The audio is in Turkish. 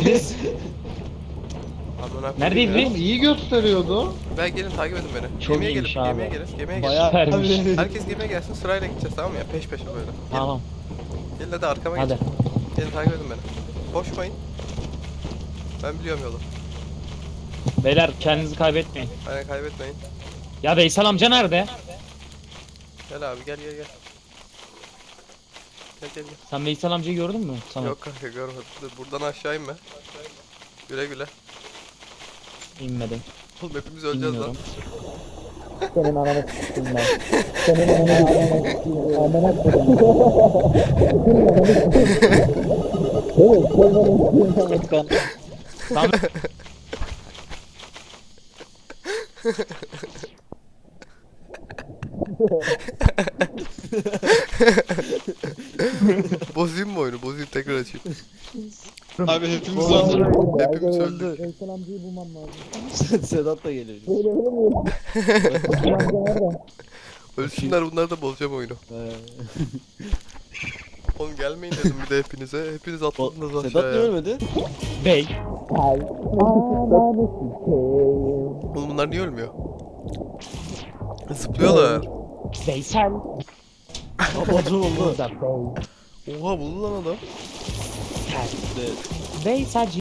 Neredeyiz? Amına Neredeyiz koyayım biz? ya. İyi gösteriyordu. Ben gelin takip edin beni. Çok Gemiye iyiymiş gelin, abi. gemiye gelin, gemiye gelin. Bayağı Süpermiş. Herkes gemiye gelsin, sırayla gideceğiz, tamam mı ya? Peş peşe böyle. Gelin, Tamam. gelin hadi arkama Hadi. geçin. Gelin takip edin beni. Koşmayın. Ben biliyorum yolu. Beyler kendinizi kaybetmeyin. Aynen, kaybetmeyin. Ya Veysel amca nerede? Gel abi, gel gel gel. Gel gel gel. Sen Veysel amcayı gördün mü? Tamam. Yok kanka, görmedim. Dur, buradan aşağı inme. Güle güle. İnmedim. Oğlum hepimiz öleceğiz lan. Bilmiyorum. senin ananı s**tim ben. Senin ananı s**tim. Amına koyayım. Evet, sen bana s**tim. Tamam. Bozayım mı oyunu? Bozayım, tekrar açayım. Abi hepimiz öldük. Hepimiz öldük. Veysel amcayı bulmam lazım. Sedat da geliyor. Böyle ölemiyorum. Veysel amca nerede? Ölsünler, bunlar da bozacağım oyunu. Oğlum gelmeyin dedim bir de hepinize. Hepiniz atladınız Sedat niye aşağıya. ölmedi? Bey. Ay. Ananı s**tim. Oğlum bunlar niye ölmüyor? Zıplıyorlar. Veysel. Ablacı oldu. Burada Bey. Oha, buldu lan adam. Veysel.